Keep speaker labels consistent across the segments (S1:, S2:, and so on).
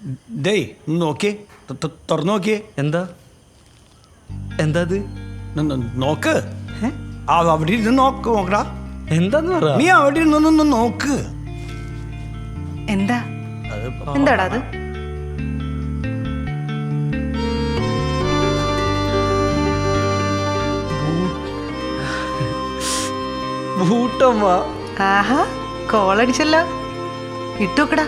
S1: Day നോക്കിയേ, തുറന്നു നോക്കിയേ.
S2: എന്താ എന്താ അത്?
S1: നോക്ക്, അവിടെ ഇരുന്ന് നോക്കടാ.
S2: എന്താന്ന് പറ.
S1: നീ അവിടെ ഇരുന്നൊന്ന് നോക്ക്.
S3: എന്താടാ അത്?
S2: ബൂട്ടമ്മ.
S3: ആഹാ, കോളടിച്ചല്ലോ. ഇട്ടോക്കടാ.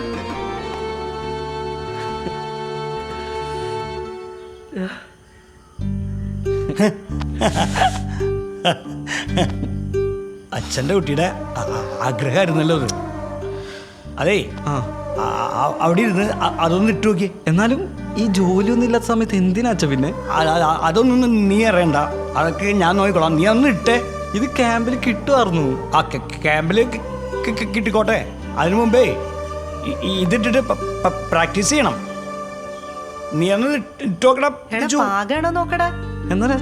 S1: അച്ഛൻ്റെ കുട്ടിയുടെ ആഗ്രഹമായിരുന്നല്ലോ അത്. അതേ, അവിടെ ഇരുന്ന് അതൊന്ന് ഇട്ടു നോക്കി.
S2: എന്നാലും ഈ ജോലിയൊന്നും ഇല്ലാത്ത സമയത്ത് എന്തിനാ അച്ഛ പിന്നെ?
S1: അതൊന്നും നീ അറിയണ്ട, അതൊക്കെ ഞാൻ നോക്കിക്കോളാം. നീ ഒന്ന് ഇട്ടേ.
S2: ഇത് ക്യാമ്പിൽ കിട്ടുമായിരുന്നു.
S1: ആ ക്യാമ്പിൽ കിട്ടിക്കോട്ടെ. അതിനു മുമ്പേ ഇതിട്ടിട്ട് പ്രാക്ടീസ് ചെയ്യണം. നീ ഒന്ന് ഇട്ടോക്കടാ.
S3: പാകാണോ നോക്കടാ.
S2: എന്നാലും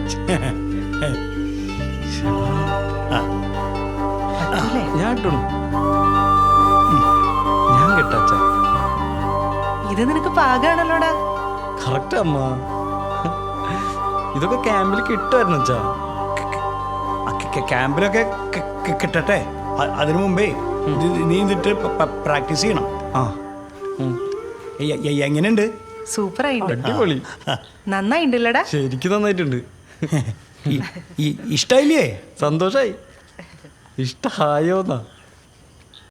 S2: ഞാൻ ഇട്ടു. ഞാൻ കേട്ട
S3: ഇത് നിനക്ക് പാകാണല്ലോടാ.
S2: കറക്റ്റ് അമ്മ. ഇതൊക്കെ ക്യാമ്പിൽ കിട്ടുമായിരുന്നു അച്ഛാ.
S1: ക്യാമ്പിലൊക്കെ കിട്ടട്ടെ. അതിനു മുമ്പേ നീ ഇതിട്ട് പ്രാക്ടീസ് ചെയ്യണം. എങ്ങനെയുണ്ട്?
S3: സൂപ്പറായിട്ടുണ്ട്.
S2: അടിപൊളി.
S3: നന്നായിണ്ടല്ലടാ.
S2: ശരിക്കും നന്നായിട്ടുണ്ട്.
S1: ഇഷ്ടായില്ലേ?
S2: സന്തോഷായി. ഇഷ്ടായോന്നാ.